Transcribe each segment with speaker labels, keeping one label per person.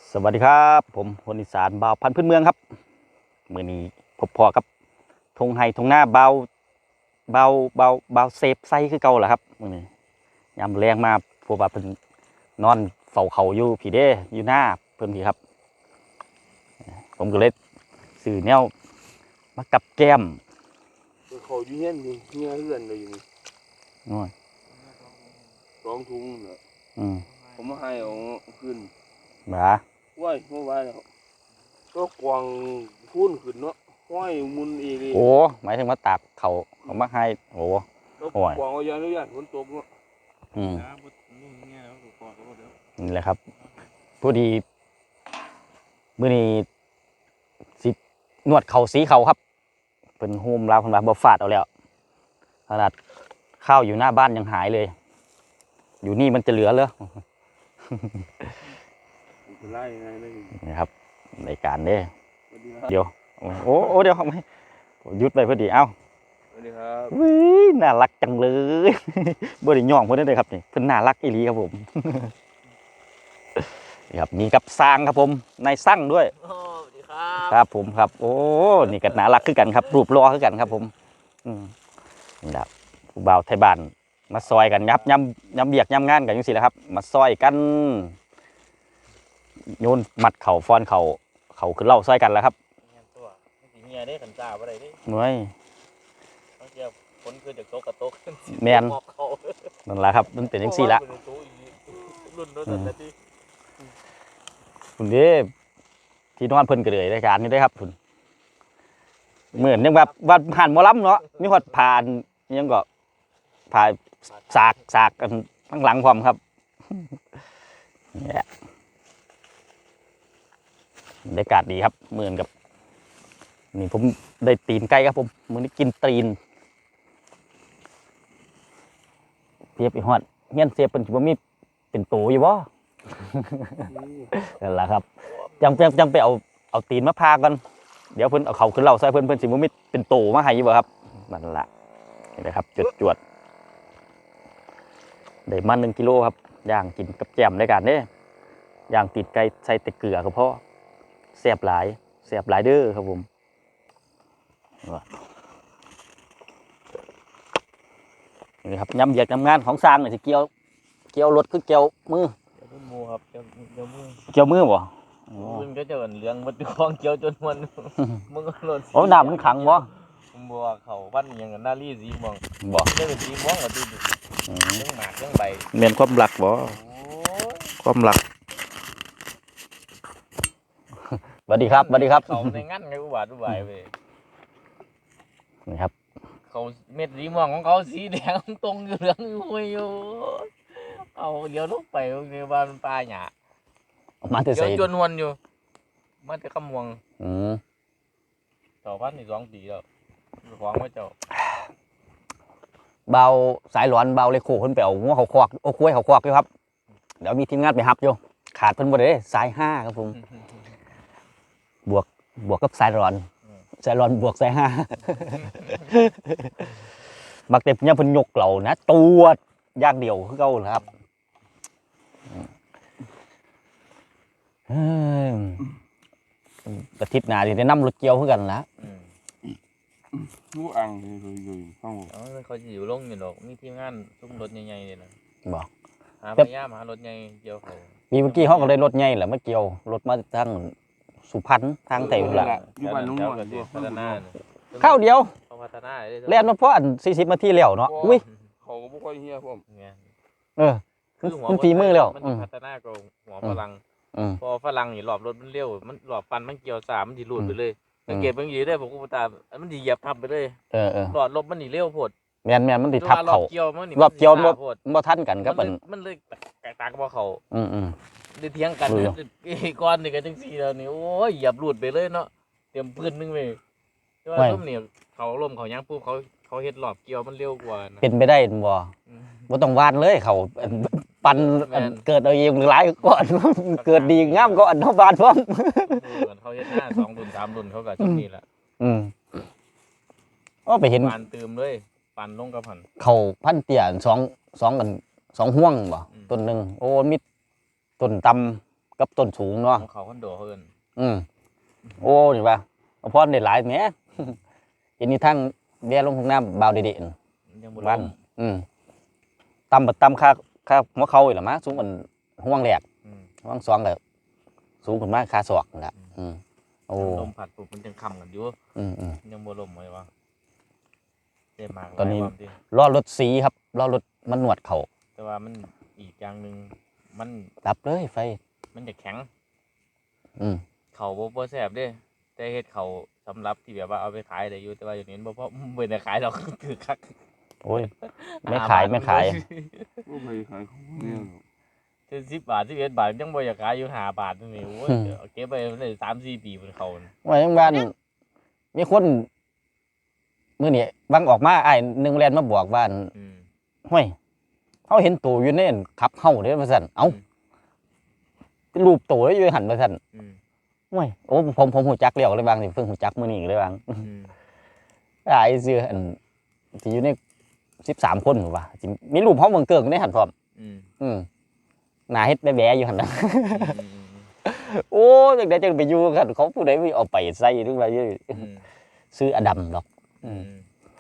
Speaker 1: สวัสดีครับผมคนอีสานบ่าวพันธุ์พื้นเมืองครับมื้อนี้พบพอกับทงไห้ทงหน้าเบาเซฟไซคือเก่าแหละครับมื้อนี้ยามแรงมาพวกว่าเพิ่นนอนเฝ้าเขาอยู่พี่เด้อยู่หน้าเพิ่นพี่ครับผมก็เลยซื้อแนวมากับแก้ม
Speaker 2: เขาอยู่เฮียนนี่เฮียเฮือนเลยอยู่นี่
Speaker 1: น้อย
Speaker 2: 2 ถุงน่ะผมมาให้เอาขึ้น
Speaker 1: หมา
Speaker 2: ว้ายเมื่อวานแล้วก็กวางพุ่นขึ้นเนาะห้อยมุนอีก
Speaker 1: โอ้หมายถึงว่าตากเขามาให้โอ้
Speaker 2: แล้วกวางเอายานุญาตฝนตกเนาะ
Speaker 1: นี่แหละครับพอดีมื้อนี้สินวดเข่าสีเขาครับเป็นโฮมลาวคนว่าบ่ฟาดเอาแล้วขนาดข้าวอยู่หน้าบ้านยังหายเลยอยู่นี่มันจะเหลือเลย
Speaker 2: เป็นไรไง
Speaker 1: นี่ครับในการเด้เดี๋ยวโอ้เดี๋ยวเขาไม่ยุดไปพอดีเอ้า
Speaker 2: สวัสดีครับ
Speaker 1: วิน่ารักจังเลยบ่ได้ย่องเพิ่นได้เลยครับนี่เพิ่นน่ารักอีหลีครับผมนี่ครับมีกับสร้างครับผมนายสร้างด้วย
Speaker 2: สวัสดีครับ
Speaker 1: ครับผมครับโอ้นี่ก็น่ารักคือกันครับรูปหล่อคือกันครับผมนี่ครับผู้บ่าวไทยบ้านมาซอยกันย้ำเบียกย้ำงานกันจังซี่แหละครับมาซอยกันโยนมัดเข่าฟ้อนเข่าขึ้นเล่าซอยกันแล้วครับ
Speaker 2: ตัวเฮียได้ขันจ่าอะไรได้
Speaker 1: หน่วย
Speaker 2: บางทีฝนคือจากโต๊ะกับโต๊ะ
Speaker 1: แมนนั่นแหละครับมันเป็นจังซี่ละคุณเด้ที่นอนเพิ่นก็เลยรายการนี้ได้ครับคุณเหมือนยังแบบว่าผ่านหมอลำเนาะมีฮอดผ่านยังก็ผ่านสากกันข้างหลังพร้อมครับเนี่ยบรรยากาศดีครับเหมือนกับนี่ผมได้ตีนไก่ครับผมมื้อนี้กินตีนเทียบอีฮอดเฮียนเสียเป็นบ่มีเป็นโตอยู่บ่นั่นแหละครับจังไปเอาตีนมาพากันเดี๋ยวเพิ่นเอาเขาขึ้นเล่าใส่เพิ่นสิบ่มีเป็นโตมาให้อยู่บ่ครับนั่นล่ะนี่นะครับจวดได้มา1 กิโลครับย่างกินกับแจ่มในการเด้ย่างติดไก่ใส่แต่เกลือก็พอแซ่บหลายเด้อครับผมนี่ครับย้ำเหยียดย้ำงานของสร้างนี่สิเกี่ยวรถคือเกี่ยวมือ
Speaker 2: มือครับเ
Speaker 1: กี่ยวมือบ่
Speaker 2: มึงก็จะเลี้ยงมันคล้องเกี่ยวจนมันมึงก็หล่น
Speaker 1: โอ้น้ำมันขังบ่
Speaker 2: บัวเขาบ้านยังกันหน้ารีสีมอง
Speaker 1: บ่
Speaker 2: ได้เป็นสีม่วงกับตีเรื่องหมากเรื่องใบ
Speaker 1: เมียนความรักบ่ความรักสวัสดีครับ
Speaker 2: เขาในงั้นไงอุบาทอุบายไป
Speaker 1: นี่ครับ
Speaker 2: เขาเม็ดสีม่วงของเขาสีแดงตรงเหลืองอยู่เอาเดี๋ยวลุกไปในบ้านปลาหยา
Speaker 1: มาแต่ใส่
Speaker 2: จนวนอยู่มาแต่ขมวงต่อพันนี่2 ปีแล้วของไม่เจ้า
Speaker 1: เบาสายหลอนเบาเลยโคเพิ่นไปเอาหัวเขาควักโอ้คุ้ยเขาควักอยู่ครับเดี๋ยวมีทีมงานไปฮับอยู่ขาดเพิ่นบ่ได้สาย5ครับผมบวกกับสายหลอนบวกสาย5มักแต่เนี่ยเพิ่นยกเหล่านะตัวอย่างเดียวคือเก่าครับอาทิตย์หน้าสิได้นำรถเกี่ยวคือกันล่ะ
Speaker 2: ผู้อังอยู่ข้างบนเขาจะอยู่ลงอยู่ดอกมีทีมงานซุ้มรถใหญ่ๆเลยนะ
Speaker 1: บอก
Speaker 2: หาพยายามหารถใหญ่เกี่ยวเขา
Speaker 1: มีเมื่อกี้เขาก็ได้รถใหญ่แหละมาเกี่ยวรถมาทางสุพรรณทางไต่หุ่นละ
Speaker 2: อยู่บ้านลุงพัฒนา
Speaker 1: ข้าวเดียว
Speaker 2: พัฒนา
Speaker 1: เล่นมาเพราะอัน40 นาทีแล้วเนาะอุ้ย
Speaker 2: เขาก็บ่ค่อยเฮียผม
Speaker 1: มันฝีมือแล้ว
Speaker 2: มันพัฒนากับหัวฝรั่งพอฝรั่งนี่หลอบรถมันเร็วมันหลอบฟันมันเกี่ยว3มันสิหลุดไปเลยสังเกตบางทีได้ผมก็ตามมันสิเหยียบทับไปเลยหลอดลมมันนี่เร็วโพด
Speaker 1: แม่นมันสิทับเขารอบเกี่ยวบ่ทันกันครับ
Speaker 2: มันเลยแตกต่างกับเขาได้เถียงกันก้อนนี่ก็จังซี่แล้วนี่โอ้ยเหยียบหลุดไปเลยเนาะเตรียมปืนนึงไปแต่ว่าลมนี่เขาลมเขายังปุ๊บเขาเฮ็ดหลอบเกี่ยวมันเร็วกว่า
Speaker 1: เป็นไปได้บ่ต้องวานเลยเขาปันเกิดเอาเองหลายก่อนเกิดดีงามก่อนเฮาบานพร้อม
Speaker 2: เขาเฮ็ด5 2 รุ่น 3 รุ่นเขาก็ชุดนี้แหละ
Speaker 1: ไปเห็น
Speaker 2: ปานเติมเลยปานลงกับหัน
Speaker 1: เขาพันเตี้ย2ห่วงบ่ต้นนึงโอ้มีต้นตกับต้นสูงเนาะ
Speaker 2: ของเขาคอนโดเพิ่น
Speaker 1: โอ้นี่ว่าพอได้หลายแหม อันนี้ทั้งแย่ลงทุ่งน้ำบาวเด็ด
Speaker 2: ยังบ่
Speaker 1: บ้า
Speaker 2: ล้
Speaker 1: น
Speaker 2: ม
Speaker 1: ตำค่าหัวเข่าอีกหรอมะสูงกว่าห่วงแหลก
Speaker 2: อืม
Speaker 1: ห่วงซองแบบสูงขึ้นมากค่าศอกนั่นแหละโอ้
Speaker 2: ลมพัดปุ๊บมันจังค่ำกันอยู่ ยังบ่ล้มเลยวะเจ็บมาก
Speaker 1: ตอนนี้
Speaker 2: หลายความที่
Speaker 1: ล้อรถสีครับล้อรถมันหนวดเข่า
Speaker 2: แต่ว่ามันอีกอย่างหนึงมัน
Speaker 1: ดับเลยไฟ
Speaker 2: มันจะแข็ง
Speaker 1: อืม
Speaker 2: เขาบ่แซ่บเด้แต่เฮ็ดเขาสำหรับที่แบบว่าเอาไปขายได้อยู่แต่ว่าอย่างนี้บ่พอบ่ได้ขายดอก คือคัก
Speaker 1: โอ้ยไม่ขายไม่ขาย
Speaker 3: ก็ไปขายของเนี่ยหรอก
Speaker 2: เจ็ด10 บาท11 บาทยังบ่อยากขายอยู่5 บาทนี่โอ้ยเอาเก็บไว้ได้3-4 ปีเพิ่นเขาน่ะ
Speaker 1: ว่าอย่างบ้านมีคนมื้อนี้บางออกมาอ้ายหนึ่งแลนมาบอกบ้าน
Speaker 2: อืม
Speaker 1: ห้วยเขาเห็นตัวอยู่ในขับเฮาเด้อว่าซั่นเอ้าเป็นรูปตัวแล้วอยู่หันว่าซั่น
Speaker 2: อืม
Speaker 1: ห้วยโอ้ผมหูจักแล้วเลยบางสิเพิ่งหูจักมื้อนี้เลยบาง
Speaker 2: อืม
Speaker 1: อ้ายซื่ออันที่อยู่ใน13คนว่าสิมีรูปเฮาเบิ่งเกิงในหันพร้อม
Speaker 2: อืม
Speaker 1: หน้าเฮ็ดแบ๊ะๆอยู่หั่นน่ะ
Speaker 2: อืม
Speaker 1: โอ้จังได๋จังไปอยู่กันเขาผู้ใดเอาไปใส่หรือว่าอยู่
Speaker 2: อืม
Speaker 1: ซื้ออดัมดอก
Speaker 2: อืม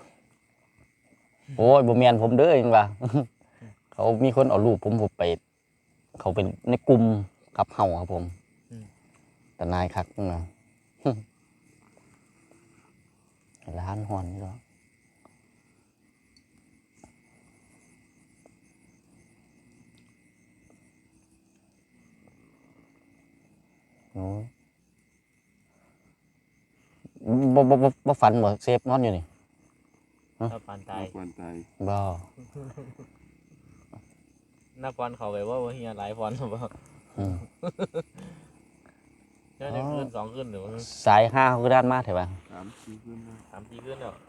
Speaker 1: โอ้ยบ่แม่นผมเด้อจังว่า เขามีคนเอารูปผมไป เขาเป็นในกลุ่มขับเฮาครับผมแต่นายคักนะ ร้านฮอนนี่ก็โอ้ยบ่ฝันบ่เซฟนอนอยู่นี่
Speaker 2: ถ้าปานตาย
Speaker 3: กวนตาย
Speaker 1: บ่
Speaker 2: นักบอลเขาไปว่าเฮียหลายบอลบ่
Speaker 1: อืม
Speaker 2: น่าจะขึ้น2ขึ้นหรือว่า
Speaker 1: สาย5เขาก็ด้านมาแถวบ้าน
Speaker 3: 3-4ขึ้นนะ
Speaker 2: 3-4ขึ้นแล้ว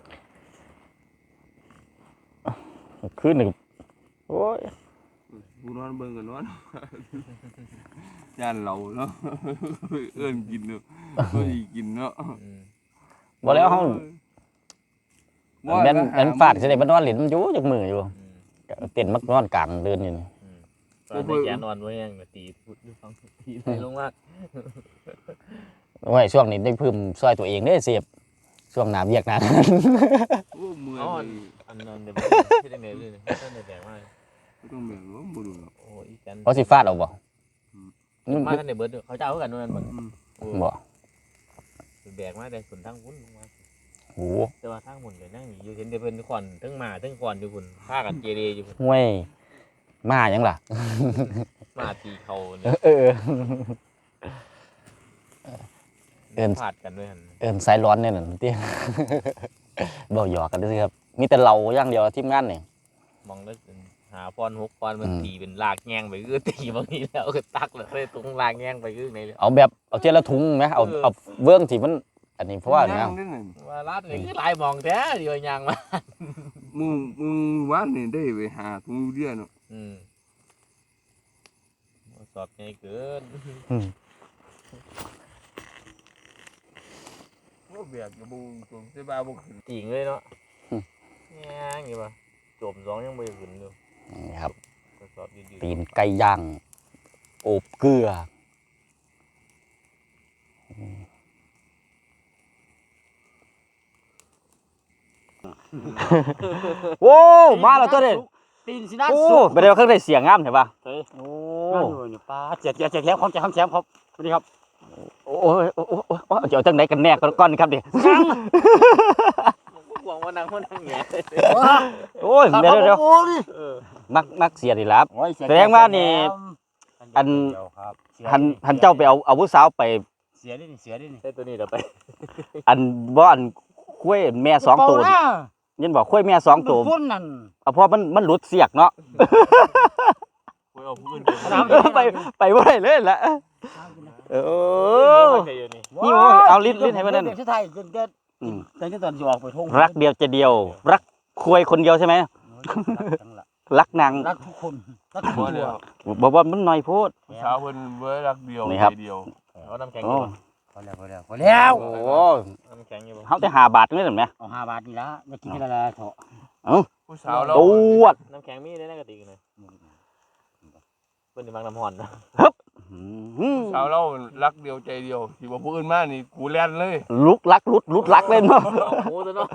Speaker 1: ขึ้นหนึ่งโอ้ย
Speaker 3: กูนอนเบิ่งกันนอน ย่านเราเนาะ เอิ้นกินเนาะก็สิกินเนาะ
Speaker 2: อืม
Speaker 1: บ่แล้วเฮาแม่นฟาดสิได้บ่นอนเล่นมันอยู่จักมืออยู่
Speaker 2: อืม
Speaker 1: เต้นมักนอนกลางเดินอยู่นี่
Speaker 2: อืมตอนนี้แกนอนไว้ยังตีพุดดูฟังตีเลยลงมา
Speaker 1: โอ้ยช่วงนี้ได้เพิ่มซอยตัวเองเด้เสียบช่วงหน้าเวียกหน้า
Speaker 3: โอ้เมื่อย
Speaker 2: อ๋อ
Speaker 3: เลย
Speaker 2: อันนั้นเดี๋ยวที่ได้เมลเลยท่านได้แบ่งมา
Speaker 3: บ่ต้องแม่นว่าบ่ดูหรอก
Speaker 2: โอ้อีกัน
Speaker 1: เขาสิฟาดเอาบ่
Speaker 2: มาท่านได้เบิดเขาเจ้ากันนั่นบ่
Speaker 3: อืม
Speaker 2: โอ้
Speaker 1: บ่
Speaker 2: แบกมาได้ส่วนทั้งพุ่นลงมา
Speaker 1: โห
Speaker 2: แต่ว่าทั้งหมดก็นั่งอยู่เห็นแต่เพิ่นขอนทั้งมาทั้งขอนอยู่พุ่นพากันเจเรอยู่พุ่น
Speaker 1: ห่วยมาหยังล่ะ
Speaker 2: มาตีเขา
Speaker 1: เอ
Speaker 2: เนี่ย
Speaker 1: อเออ เอิ้น
Speaker 2: พาดกันด้วยหั่น
Speaker 1: เอิ้นสายร้อนเนี่ยนั่นติ บ่หยอกกันเด้อครับมีแต่เราอย่างเดียวทีมงานนี่
Speaker 2: มองแล้วหาพร6พรมัน
Speaker 1: อืม
Speaker 2: ตีเป็นลากแงงไปคือตีบางทีแล้วก็ตักเลยตรงลากแงงไปคือในเลย
Speaker 1: เอาแบบเอาเทียละถุงไหมเอาเบื้องที่มันอันนี้เพราะว่า
Speaker 3: นั่
Speaker 1: นะ
Speaker 3: งได้นั่น
Speaker 2: ว่าลาดนี่คือหลายมองแท้เดียวยางมา
Speaker 3: มึงวานนี่ได้ไปหาถุงยูเรียเนาะ
Speaker 2: อืมสอบใหญ่เกิน
Speaker 3: ว่าแบกกระบูตรงสิบาบ่ขึ้น
Speaker 2: จริงเลยเนาะแง่งอยู่ป่ะจม2ยังบ่ได้ขึ้นอยู่
Speaker 1: นี่ครับ
Speaker 2: ทดสอบยืด
Speaker 1: ตีนไก่ย่างโอบเกลือโอ้มาแล้วตัวเด็ด
Speaker 4: ตีนสินะ
Speaker 1: โอ้
Speaker 4: สุก
Speaker 1: ไปเดี๋ยวเครื่องได้เสียงงามเห็นปะ
Speaker 4: เฮ้ย
Speaker 1: โอ้
Speaker 4: นั่นอยู่เนี่ยปลาเจ็ดแถมของแถมครับสวัสดีครับ
Speaker 1: โอ้ยโอ้โอ้เดี๋ยวจังไหนกันแน่ก่อนครับดิ
Speaker 2: หวังว่านั่งแง่
Speaker 1: โอ้ยเดี๋ยว
Speaker 4: โอ้ย
Speaker 1: มักเสียดีแล้ว
Speaker 4: โอ้ยเย
Speaker 1: แสดงว่านี่อัน
Speaker 4: เดี๋ยวครับเสีย
Speaker 1: หันเจ้าไปเอาผู้สาวไป
Speaker 4: เสียดิเสียดิ
Speaker 2: ใช่ตัวนี้เดี๋ยวไป
Speaker 1: อันบ่อันคุ้ยแม่สองตัว
Speaker 4: เปล่านะ
Speaker 1: ยันบอกคุ้ยแม่สองตัว
Speaker 4: มันฟุ้นนั่น
Speaker 1: เอาเพราะมันหลุดเสียกเนาะ
Speaker 2: คุยเอาพื้น
Speaker 1: ไปบ่ได้เลยละเออ
Speaker 2: นี่
Speaker 1: นี่โอ้เอาลิ้นให้มันนั่น
Speaker 4: เด็กที่ไทยจนเกิด
Speaker 1: อืม
Speaker 4: แต่ที่ตอนสิออกไปทุ่ง
Speaker 1: รักเดียวใจะเดียว รักคุ้ยคนเดียวใช่ไหม รักนาง
Speaker 4: รักทุกคนรักทุกตัว
Speaker 1: บอกว่ามันน้อยโพด
Speaker 3: เช้าเพิ่นเว้ยรักเดียว
Speaker 1: นี่ครับ
Speaker 3: ใจเดียว
Speaker 2: เอาน้ำแข็ง
Speaker 1: โอ้
Speaker 2: อยู่
Speaker 4: พอแล้วพอแล้วพอแล้ว
Speaker 1: โอ้
Speaker 2: น้ำแข็งอยู่
Speaker 1: เขาแต่5 บาทนี่เห็นไหม
Speaker 4: เอา5 บาทนี่ละจะกินกันละเถอะ
Speaker 3: ผู้สาวเรา
Speaker 1: ตวด
Speaker 2: น้ำแข็งมีได้ในกระติกเลยเพิ่นสิมักน้ำห่อนนะ
Speaker 1: อืม
Speaker 3: สาวเรารักเดียวใจเดียวสิบ่ผู้อื่นมานี่กูแล่นเลย
Speaker 1: ลุกลักลุดลักเล่นเนาะ
Speaker 2: โอ้ตัวเนาะ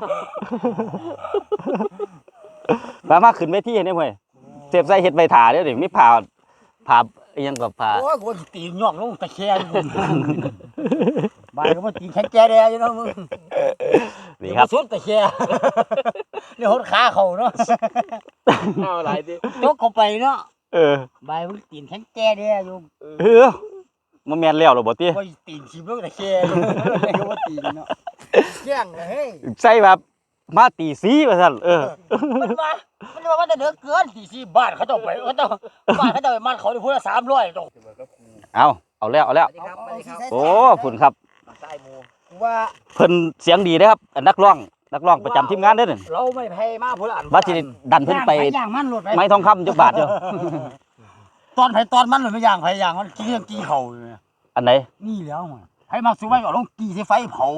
Speaker 1: มาขึ้นเวทีเห็นได้เว้ยเสียบใส่เฮ็ดใบถาเด้อนี่มีผ่าอิหยังกับผ่า
Speaker 4: โอ้ยกูตีนย่องลงตะแคงบ้านก็มาตีนแข็งแก่แดอยู่เนาะมึง
Speaker 1: นี่ครับ
Speaker 4: สุดตะแคงนี่หดขาเขาเนาะ
Speaker 2: เอาหลายดิ
Speaker 4: ยกเข้าไปเนาะ
Speaker 1: เออ
Speaker 4: บ้านมึงตีนแข็งแก่แดอยู่
Speaker 1: มันแม่นแล้วเหรอบ่ติ
Speaker 4: โอ้ยตีนชิบลงตะแคงก็ว่าตีนเนาะแข้งเลยเฮ้ย
Speaker 1: ใส่แบบมาตีสีว่าซั่น
Speaker 4: มันว่ามันจะเดือเกินตีสี่บ้านเขาต้องไปเขาต้องบ้านเขาต้องไปมันเขาได้พูดละ300ต้อง
Speaker 1: เอาแล้ว โอ้ฝุ่นครับ
Speaker 4: ใต้หมูว่า
Speaker 1: เพิ่นเสียงดีเด้อครับนักร้องประจำทีมงานเด้อนี่
Speaker 4: เราไม่แพ้มาพูดละ
Speaker 1: ว่าสิดันเพิ่นไป
Speaker 4: ย่างมันหลุดไป
Speaker 1: ไม้ทองคำจักบาทเดียว
Speaker 4: ตอนไผตอนมันหลุดไม่ย่างไผย่างมันกี้กี้เขาอยู่เนี่ย
Speaker 1: อันไหน
Speaker 4: นี่แล้วมันให้มาสู้ไว้ก็ลงกี้ใส่ไฟเผา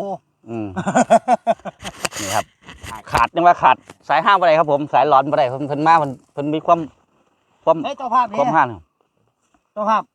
Speaker 1: นี่ครับ ขาดยังว่าขาดสายห้างบ่ได้ครับผมสายหลอนบ่ได้เพิ่นมาเพิ่นมีความ
Speaker 4: เฮ้ยเจ้าภาพ
Speaker 1: ความห้าน
Speaker 4: เจ้าภาพ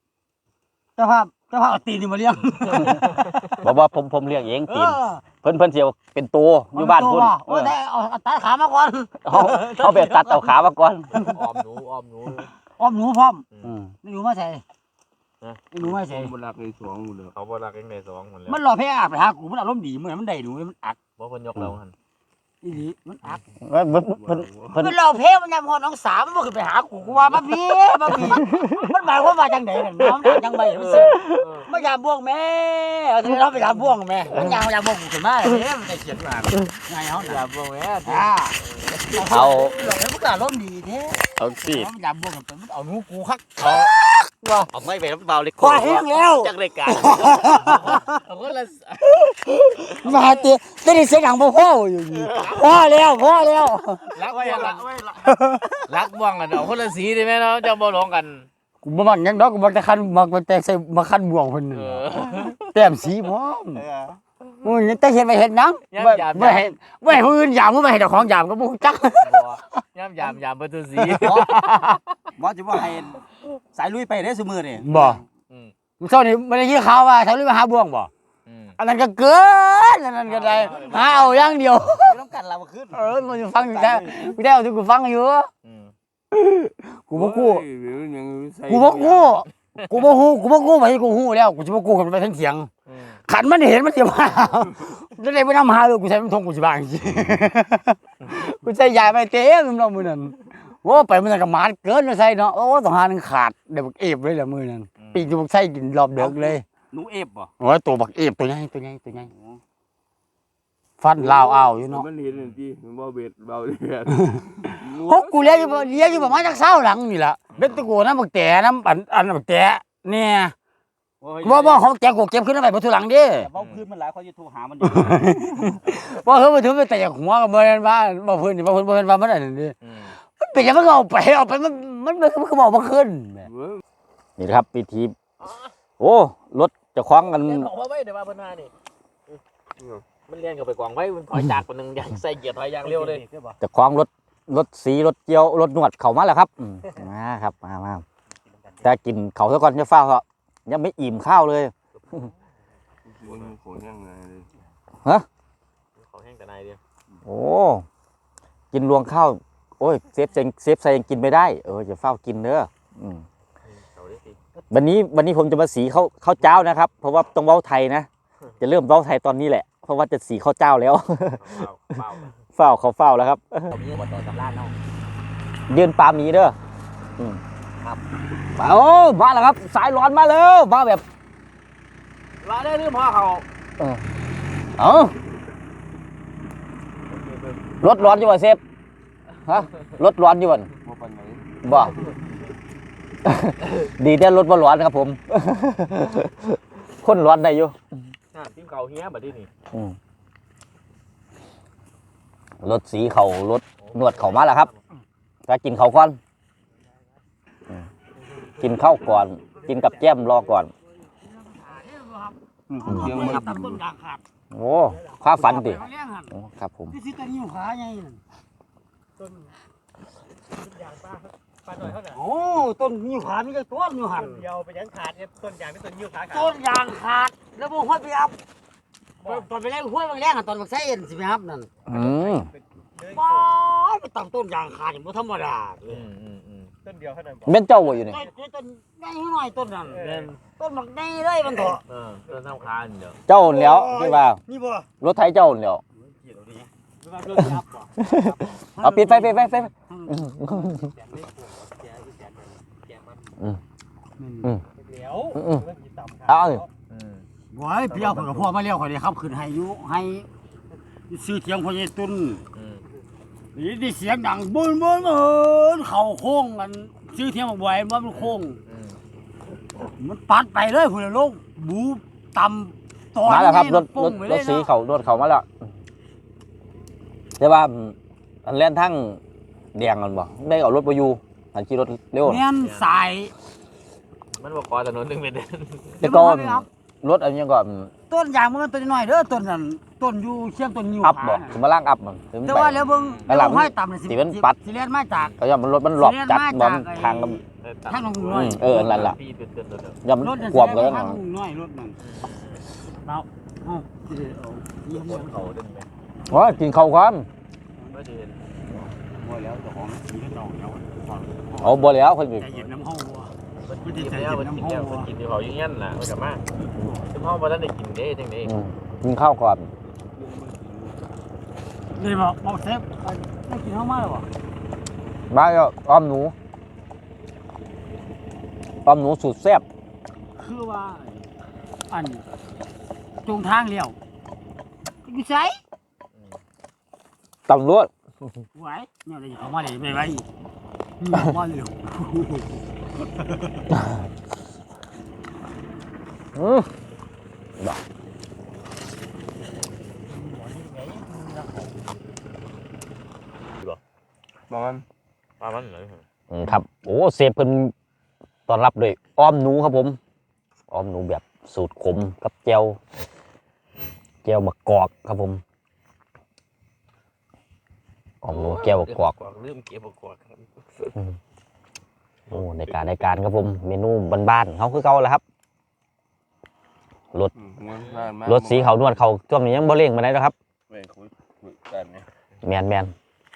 Speaker 4: เอาตีนนี่มาเลี้ยง
Speaker 1: บ่ผมเลี้ยงเองตีนเพิ่นสิเอาเป็นตัวอยู่บ้านพุ่น
Speaker 4: โอ้ยได้เอาตัดขามาก่อน
Speaker 1: เอาแบบตัดเอาขามาก่อน
Speaker 2: อ้อมหนู
Speaker 4: อ้อมหนูพร้อม
Speaker 1: อืม
Speaker 4: นี่หนูมาใส่นี่หนูมาใส่
Speaker 3: บ่รักในสองหมดเลย
Speaker 2: เขาบ่รักเองได้สองหมดแล้ว
Speaker 4: มันรอแพ้อาบไปหากูมันอารมณ์ดีเหมือนมันได้หนูมันอัก
Speaker 2: บ่เพิ่นยกเราหั่น
Speaker 4: อีหลีมันอัก
Speaker 1: เพิ่น
Speaker 4: มันรอแพ้มันยามพอน้องสาวมันบ่ขึ้นไปหากูว่ามาพี่มันหมายความว่าจังได๋นั่นน้องจังใบมันสิมายามบ่วงแม่เอาสิเราไปยามบ่วงแม่มันยามบ่วงกูขึ้นมาเด้มันจะเขียนว่าไงเฮา
Speaker 2: อย่าบ่แม่
Speaker 1: เอา
Speaker 4: หลอกให้มันก็อารมณ์ดีแท้
Speaker 1: เอาสิ
Speaker 4: มันยามบ่วงกันมันเอาหนูกูคัก
Speaker 1: เอาไม่ไปเบาเลย
Speaker 4: คอแห้งแล้ว
Speaker 1: จักรายการ
Speaker 2: เอาคนละ
Speaker 4: มาเตะได้เสียงดังบ่พออยู่นี่พอแล้ว
Speaker 2: รักบ่กันรักบ่กันเอาคนละสีได้ไหมเนาะจะบ่หลงกัน
Speaker 4: กูบ่มักหยังดอกกูมักแต่คันมักแต่ใส่มาคันบ่วงเพิ่นนี่แต้มสีพร้อมมึงแต่เฮ็ดไปเฮ็ดหยังบ่ให้ผู้อื่นยามมึงบ่ให้เจ้าของยามก็บ่จัก
Speaker 2: ย่ำยามเบอร์ตัวสี
Speaker 5: บ่จะว่าให้สายลุยไปได้ซุมื้อนี่
Speaker 4: บ่มึงเช้านี้บ่ได้ยินข่าวว่าเขาเลยมาหาบ่วงบ่อันนั้นก็เกินอันนั้นก็ได้หาเอาอย่างเดียว
Speaker 5: อยู่นำกันเราบ่ขึ้น
Speaker 4: มันฟังอยู่แท้กูได้เอาที่กูฟังอยู่กูบ่กู้กูบ่ฮู้ไปกูฮู้แล้วกูสิบ่กู้กันไปทั้งเสียงขันมันเห็นมันสิมาจะได้ไปนำหาเลยกูใส่มันทงกูสิบางสิกูใส่ยาไปเต็มเนาะมื้อนั้นโอ้ไปมื้อนั้นก็หมาดเกินใส่เนาะโอ้ต้องหานึงขาดเดี๋ยวบักเอฟเลยล่ะมื้อนั้นปีกบักใส่กินรอบเดึกเลย
Speaker 5: หนูเอฟบ่
Speaker 4: โอ้ยตัวบักเอฟตัวใหญ่ฟันลาวอ้าวอยู่เนาะ
Speaker 3: มันเห็นที่มันบ่เบ็ดเบาเดือด
Speaker 4: พกกูเลี้ยงอยู่ประมาณจัก20หลังนี่ล่ะเบ็ดตะโกน้ำบักแตน้ำอันบักแตเนี่ยบ่ของแกกูเก็บขึ้นไปบ่ทุหลังเด้
Speaker 5: แต่เว้าพื้นมันหลายเขาจะโทรหามันอยู่
Speaker 4: บ่เฮ้ยมาถึงไปแต่หัวกับบ่แม่นว่าบ่เพิ่นนี่บ่เพิ่นว่ามันอันนั้นดิมันเป็นจังมันเอาไปมันคือบอกบ่ขึ้น
Speaker 1: นี่นะครับพิธีโอ้รถจะคล้องกัน
Speaker 2: เรียนบอกว่าไว้เดี๋ยวมาเพิ่นมานี่มันเรียนกับไปกองไว้มันถอยจากคนนึงอย่างใส่เกียร์ถอยอย่างเร็วเลย
Speaker 1: จะคล้องรถสีรถเจียวรถนวดเข้ามาแล้วครับมาครับมาแต่กินเขาซะก่อนจะเฝ้าเขายังไม่อิ่มข้าวเลย
Speaker 3: มันโขนยังไงเลย
Speaker 2: เขาแห้งแต่นายเดียว
Speaker 1: โอ้กินรวงข้าวโอ้ยเซฟใส่ยังกินไม่ได้จะเฝ้ากินเด้อ
Speaker 2: เขาได้สิ
Speaker 1: วันนี้ผมจะมาสีข้าวเจ้านะครับ เพราะว่าต้องเว้าไทยนะจะเริ่มเว้าไทยตอนนี้แหละเพราะว่าจะสีข้าวเจ้าแล้ว เฝ้าแล้วครับ
Speaker 5: เขามีบ่ต่อตำราเนาะ
Speaker 1: ยืนปลาหมีเด้อครับโอ้มาแล้วครับ สายร้อนมาแล้วมาแบบ
Speaker 2: เราได้ลืมพ่อเขา
Speaker 1: รถร้อนอยู่บ่เซฟฮะรถร้อนอยู่บ่
Speaker 3: บ่ปานไหน
Speaker 1: บ่ ดีแต่รถบ่ร้อนครับผม คนร้อนได้อยู่
Speaker 2: ทีมเขาเฮียบัดนี้นี่
Speaker 1: รถสีเขารถนวดเขามาแล้วครับจะกินเขาก่อนกินข้าวก่อน กินกับแก้มรอก่อน
Speaker 3: เสียงมัน
Speaker 4: ต้นยางขาด
Speaker 1: โอ้ข้าฝันดิโอ้ครับผม
Speaker 4: ที่สิตะนิ้วขาใหญ่
Speaker 5: ปลาหน่อยเท่านั้น
Speaker 4: โอ้ต้นนิ้วขามีแต่ต้นอยู่หัน
Speaker 5: เดียวไปยังขาดเนี่ยต้นยางเป็นต้นยิ้วขาขาด
Speaker 4: ต้นยางขาดแล้วบ่ห้อยไปอัพตอนไปแรงห้วยบางแรงตอนบักไส้เอ็นสิไปครับนั่น
Speaker 1: อืม
Speaker 4: ป้าไปตั้งต้นยางขาดบ่ธรรมดา
Speaker 5: ต้นเดียวเท่านั้น
Speaker 1: เป็นเจ้าบ่อยู่นี่
Speaker 4: ต้นใหญ่หน่อยต้นนั้นต้นบักใหญ่เลยมันเถอะ
Speaker 2: ต้นน้ำคานเดี๋ยว
Speaker 1: เจ้าแล้วที่ว่า
Speaker 4: นี่บ่
Speaker 1: รถไถเจ้าแล้ว
Speaker 5: ว่าเรื่องยับบ่
Speaker 1: เอาปิดไฟไฟ
Speaker 5: เดี๋ยวมันสิต่ำ
Speaker 1: เอา
Speaker 4: โอ้ยเปียวข่อยกับพ่อมาแล้วข่อยได้ขับขึ้นให้อยู่ให้ซื้อเถียงพ่อใหญ่ตุ้นนี่ได้เสียงดังบึ้นเข้าโค้งกันซื้อเถียงบ่อยมันโค้งมันปัดไปเลยพุ่นลงบูต่ำตอน
Speaker 1: มาแล้วครับรถ
Speaker 4: ปุ้งไป
Speaker 1: ร
Speaker 4: เล
Speaker 1: ถ
Speaker 4: ย
Speaker 1: สี
Speaker 4: เนาะ
Speaker 1: เขารถเขามาแล้วแต่ว่าอันแล่นทั้งแดงกันบ่ได้เอารถไปอยู่อันขี่รถเร็ว
Speaker 4: แม่นสาย
Speaker 2: มันบอกขอถนนหนึ่งเป็นเดือน
Speaker 1: แต่ก่อนรถอันนี้ก่อน
Speaker 4: ต้นยางมันต้นน้อยเด้อต้นนั้นต้นอยู่เชียงต้นนิ้ว
Speaker 1: อัพบ่
Speaker 4: ขา
Speaker 1: ถึงมาล่างอัพมันถึง
Speaker 4: แต่
Speaker 1: ไป
Speaker 4: ว่าแล้วเบิ่ง
Speaker 1: แล้วหลัง
Speaker 4: ห้อยต่ำเลย
Speaker 1: สิเป็นปัด
Speaker 4: สิเลียนมาจาก
Speaker 1: เขาย่อมมันรถมันหลบจัดบอมทางกับ
Speaker 4: ทางลงน้อย
Speaker 1: นั่นล่ะ
Speaker 2: พี่เป็นเดือนเดียว
Speaker 1: ย่อม
Speaker 4: รถนั่น
Speaker 1: กวบเลย
Speaker 4: ทา
Speaker 1: นะ
Speaker 4: งลงน้อยรถนั่นเราเอ้าสิได้เอาเยี่ยม
Speaker 2: คนเขาดึงไหม
Speaker 1: ว่ากินข้าวก่อน
Speaker 2: ไม่เดือน
Speaker 4: บ่แล้วเจ้าของสีเจ้าแล้ว
Speaker 1: เอาบ่แล้วคนอื่น
Speaker 4: ใจเย็นน้ำเฮาบ่
Speaker 2: มันกินแล้วมันกินแล้วมันกินที่เขาอย่างนั้นน่ะมันกลับมาซึ่งห้องวันนั้นได้กินได้จังได๋
Speaker 1: กินข้าวก่อน
Speaker 4: นี่บ่เซฟได้กินเฮามาแล้วบ่
Speaker 1: บ้าแล้วอ้อมหนูสุดแซ่บ
Speaker 4: คือว่าอันจงทางเลี้ยวอยู่ไส
Speaker 1: ตำรวจ
Speaker 4: ไหวเนี่ยได้เข้ามาได้ไปมาเร็ว
Speaker 1: บ่
Speaker 3: ประมาณ
Speaker 2: ประมาณไหน
Speaker 1: ครับโอ้เซฟเพิ่นต้อนรับด้วยอ้อมหนูครับผมอ้อมหนูแบบสูตรขมกับแจ่วมะกอกครับผมอ้อมหนูแจ่วมะกอก
Speaker 2: ลืมเก็บกอก
Speaker 1: โอ้ในการครับผมเมนูบ้านๆเขาคือเก่าแหละครับรถสีเขานวดเขาช่วงนี้ยังบ่เร่งมาไหนแล้วครับ
Speaker 3: เว้ยคุยกันเนี่ย
Speaker 1: แมน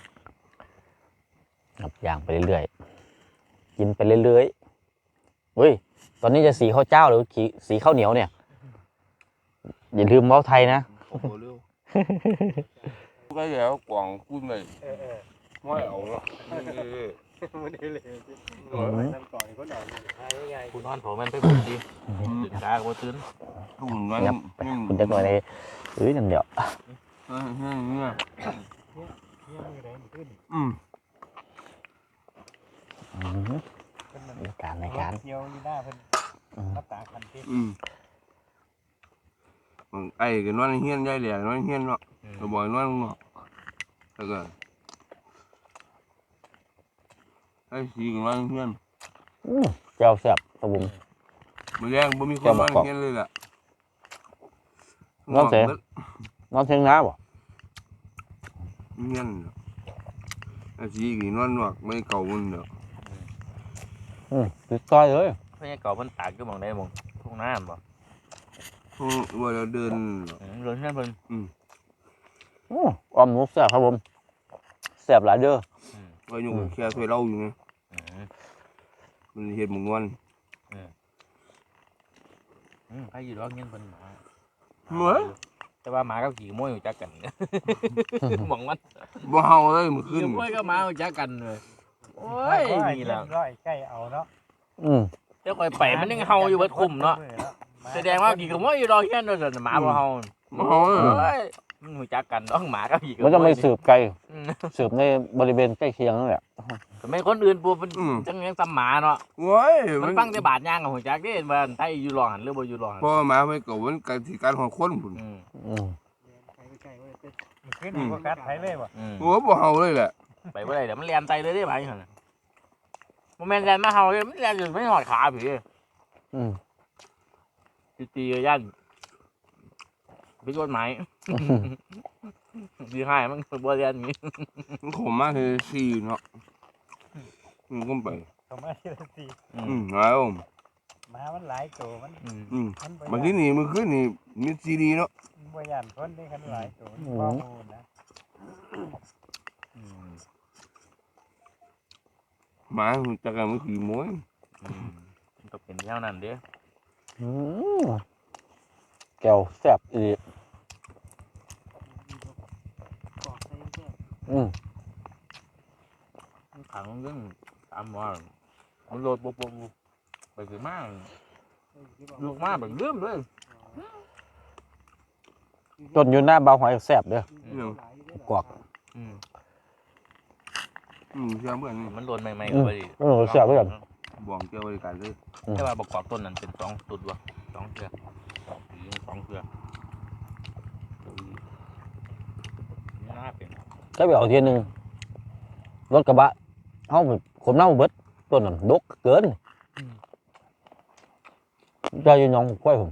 Speaker 1: ครับย่างไปเรื่อยๆกินไปเรื่อยๆเฮ้ยตอนนี้จะสีข้าวเจ้าหรือสีข้าวเหนียวเนี่ยอย่าลืมเว้าไทยนะ
Speaker 3: โอ้โหเร็วก็แล้วกว่างกุ้งเลยไม่เอาแล้ว
Speaker 5: มันได้เลยนั่นก่อนก็นอนง่าย
Speaker 2: คุณนอนผมมันไปบุญดีตื่นตาก็ตื่น
Speaker 3: ถุงนั้น
Speaker 1: คุณจะหน่อยในนั่นเดี๋ยว
Speaker 3: เนี่ยอืม
Speaker 1: ในการ
Speaker 5: เที่ยวอยู่หน้าเพิ่นรับตาคันที่
Speaker 3: ไอ้ก็นอนเฮียนใหญ่แหล่นอนเฮียนเนาะก็บ่อยนอนเนาะแล้วก็ไอ้สีก็นอนเฮียน
Speaker 1: เจ้าแซ่บครับผม
Speaker 3: มื้อแรงบ่มีคนนอนเฮียนเลยล่ะ
Speaker 1: นอนเชียงนาบ่
Speaker 3: เฮียนไอ้สีก็นอนนอกไม่เก่ามันเนาะ
Speaker 1: ติดต้อยเลย
Speaker 2: เพื่อนเก่ามันตากก็มองได้มองทุ่งน้ำบ่
Speaker 3: ว่าเราเดิน
Speaker 2: เดินนั่นเพิ่น
Speaker 1: อ้อมหนูแซ่บครับผมแซ่บหลายเด้อ
Speaker 3: ก็อยู่แค่ถ้วยเหล้าอยู่ไงมันเฮ็ดหมงวน
Speaker 2: ใครอยู่ร้องเงี้ยเพิ่นหมา
Speaker 3: เหมือน
Speaker 2: แต่ว่าหมากับขี่ม้วยอยู่จักกันมองมัน
Speaker 3: บ่เฮาเลยมื้อคื
Speaker 2: ขี่
Speaker 3: น
Speaker 2: ม้วยกับหมาอยู่จักกันเลยโอ้ยนี่แหละ
Speaker 5: ร้อยใกล้เอาเนาะ
Speaker 2: เจ้าคอยไปมันยังเฮาอยู่เบิดคุมเนาะแสดงว่าขี่กับม้วยอยู่รอเงี้ยโดนหมาบ่เฮา
Speaker 3: บ่เฮาเลย
Speaker 2: เฮ้ยมันอยู่จักกันต้องหมากับขี่กับ
Speaker 1: มันจะไม่สืบไกลสืบในบริเวณใกล้เคียงนั่นแหละ
Speaker 2: ไม่คนอื่นปูมันจังยังซ้ำหมาเนาะ
Speaker 3: โว้ย
Speaker 2: มันฟังแต่บาดย่างกับหัวจักเด้ว่าไทยอยู่รอหันหรือบ่อยู่รอหัน
Speaker 3: พ่อมาไม่เก่ามันการที่การของคนพุ่น
Speaker 5: ขึ้นก็กัดไผเลยบ่
Speaker 3: โอ้บ่เฮาเลยแหละ
Speaker 2: ไปบ่ได้เดี๋ยวมันแล่นใจเลยได้บาดนี่หั่นบ่แม่นแล่นมาเฮาเลยมันแล่นจนไม่หอดขาพี่ตียันผิดกฎหมายดีให้มันบ่แล่นนี้
Speaker 3: มันขมมากคือ4เนาะก็ไป
Speaker 5: เข้ามาทีละสี่
Speaker 3: แล้ว
Speaker 5: มามันหลายตัวมัน
Speaker 3: บางทีนี่มันขึ้นนี่มีซีดีเนาะ
Speaker 5: บ่ย่านคนได้กันหลายตัวข้อมูลนะ
Speaker 3: หมาจากการมันคือม้วน
Speaker 2: มันก็เป็นเท่านั้นเด้อ
Speaker 1: แก้วแซ่บอีก
Speaker 2: ขังเรื่องตามว่ามันโหลดปุ๊บไปคือมากลูกมากแบบเรื่อมเลย
Speaker 1: ต้นอยู่หน้าเบาหอยแซ่บเด้อ กวก
Speaker 3: เชื่อเพื่อนนี่
Speaker 2: มันโดนใหม่ๆก็ไป
Speaker 1: แซ่บเด้อ
Speaker 3: บ่องเจ้าบริการเลย
Speaker 2: แต่ว่าประกอบต้นนั้นเป็น2 ตุดวะ2 เครือ2 เครือน่าเป็น
Speaker 1: ก็ไปเอาทีนึงรถกระบะเฮาขนน้ำเบิดต้นนั้นดกเกินใจอยู่หนองควายผม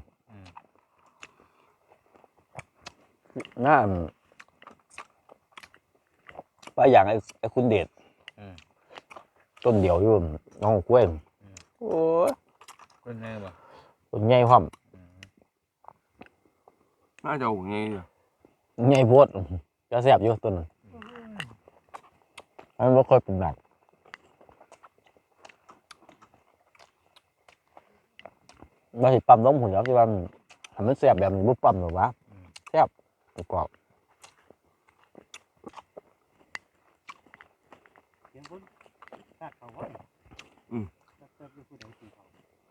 Speaker 1: น่าไปอย่างไอ้คุณเดชต้นเดียวอยู่หนองกล้วยโอ้ย
Speaker 2: เป็นไงวะ
Speaker 1: ต้นใหญ่พร้อม
Speaker 3: น่าจะเอาไง
Speaker 1: ใหญ่โพดจะแซ่บอยู่ต้นนั้นมันบ่ค่อยเป็นแบบว่าสิปั๊มล้มหุ่นแล้วที่ว่าทำมันแซ่บแบบนี้บ่ปั๊มหรอกวะแซ่บกรอบ
Speaker 5: เสียงคนตากเขาไว้ตักอยู่ผู้ใดสิเขา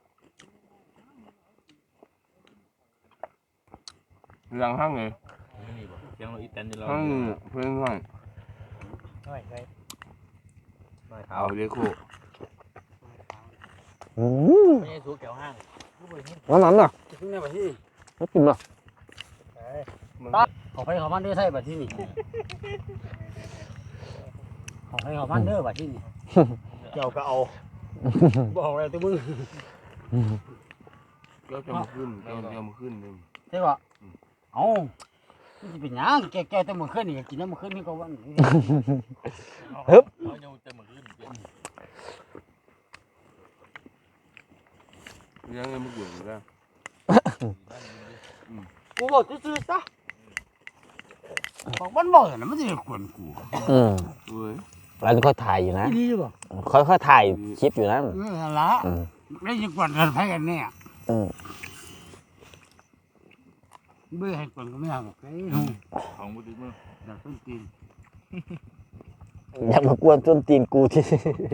Speaker 3: หลังห้างไง
Speaker 2: นี่บ่เสียงเราอีแตนที่เรา
Speaker 3: ห้างเพื่อนห้าง
Speaker 5: น้อยไว้
Speaker 2: ไม่เท้า
Speaker 3: เอาเด็กโค
Speaker 2: ไม่ใช่สูแก้วห้าง
Speaker 1: นั่นนั่นน่ะ
Speaker 4: ถึงในบัดที่
Speaker 1: ไม่กินน่ะ
Speaker 4: เขาไปเขามันเด้อใช่บัดที่นี่เขาไปเขามันเด้อบัดที่นี่เจ้าก็เอาบอกอะไรตัวมึง
Speaker 3: เจ้าจะมาขึ้นเจ้ามาขึ้นเลย
Speaker 4: ใช่ป่ะเอามันจะเป็นหยังแกแต่มื้อคืนนี่กินน้ำมื้อคืนนี่ก็วัน
Speaker 1: ฮึบ
Speaker 2: เขายังจะมาขึ้น
Speaker 3: ยังไม่เกี่ยวกัน
Speaker 4: กูบอกซื่อๆซะบอกมันบ่น่ะมันสิกวนกู
Speaker 3: เว้ย
Speaker 1: แล้วค่อยถ่ายอยู่นะ
Speaker 4: อีหลีบ่
Speaker 1: ค่อยถ่ายคลิปอยู่นะ
Speaker 4: นั่นล่ะแล้วสิกวนกันไผกันเนี่ยเบื่อให้กวนก็ไม่เอาหรอกเอ้ย
Speaker 2: ของบุตรมือ
Speaker 4: อยากต้นตีน
Speaker 1: อยากมากวนต้นตีนกูที่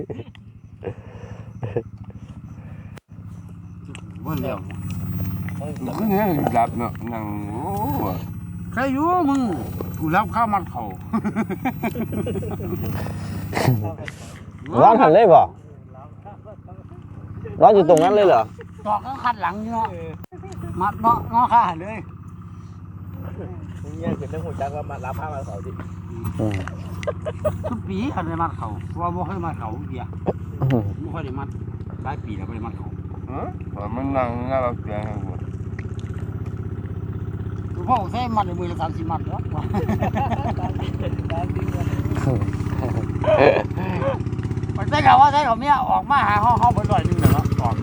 Speaker 4: บ่แล้ว
Speaker 3: ขึ้นเนี่ยดับเนาะนั่งโอ้
Speaker 4: ใครอยู่มึงกูรับข้าวมันเขา
Speaker 1: ร้อนหันเลยบ่ร้อนอยู่ตรงนั้นเลยเหรอ
Speaker 4: ตอกก็ขัดหลังอยู่เนาะมัดเนาะงอขาเลย
Speaker 2: เนี่ยคือเรื่องหัวใจว่ามารับผ้ามาเขาสิ
Speaker 4: ทุกปีคันได้มัดเขาเพราะว่าบ่เคยมัดเขาเดียวบ่ค่อยได้มัดหลายปีแล้วบ่ได้มัดเขา
Speaker 3: มันนั่งหน้าเราเสียงหมด
Speaker 4: คือพ่อแค่มัดในมือละ30มัดเนาะมันใช่เขาว่าใช่เขาเมียออกมาหาห้องเบิด100นึงแล้วเนาะออก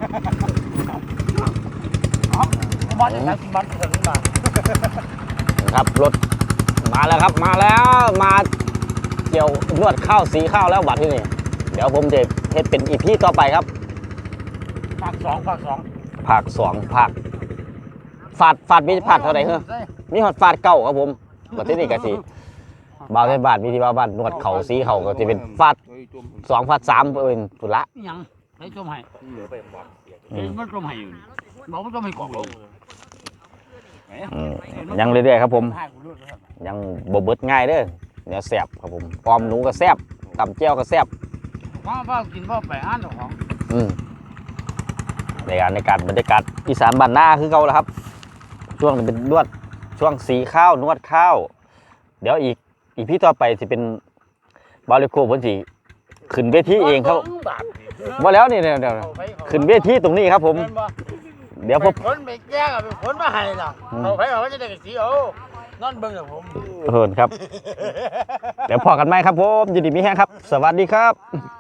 Speaker 4: มัดได้30มัดถึงมา
Speaker 1: ครับรถมาแล้วครับมาแล้วมาเกี่ยวนวดข้าวสีข้าวแล้วบัดที่นี่เดี๋ยวผมจะเฮ็ดเป็นอีพีต่อไปครับ
Speaker 4: ภาค2
Speaker 1: ภาคสองภาคฟาดมีฟาดเท่าไหร่เหรอมีฮอดฟาดเก้าครับผมบัดที่นี่ก็สิบ่าวในบ้านมีที่บ่าวบ้านนวดเข่าสีเข่าก็จะเป็นฟาด2ฟาด3เป็นสุดละ
Speaker 4: หยังให้จมให้
Speaker 2: เหลือไปบอก
Speaker 4: มันจมให้อยู่บอกว่าจมให้กอกลง
Speaker 1: ยังเรื่อยๆครับผมยังบ่เบิดง่ายเด้อเดี๋ยวแซ่บครับผมออมหนูก็แซ่บตำแจ่วก็แซ่บ
Speaker 4: ว่ากินว่าไปอ่านเจ้าของ
Speaker 1: ในการบรรยากาศอีสานบ้านนาคือเก่าแล้วครับ ช่วงนี้เป็นนวดช่วงสีข้าวนวดข้าว เดี๋ยวอีกพี่ต่อไปจะเป็นบาริโกเพิ่นสิขึ้นเวทีเองครับว่าแล้วนี่เดี๋ยวขึ้นเวทีตรงนี้ครับผม เดี๋ยวพบ
Speaker 4: คนไปแก้กับเป็นคนมาให้ล่ะเอาไปเอาจะได้กับสีเอานอนเบิ่งกับผม
Speaker 1: เฮินครับ เดี๋ยวพอกันไหมครับผมยินดีมีแห้งครับ สวัสดีครับ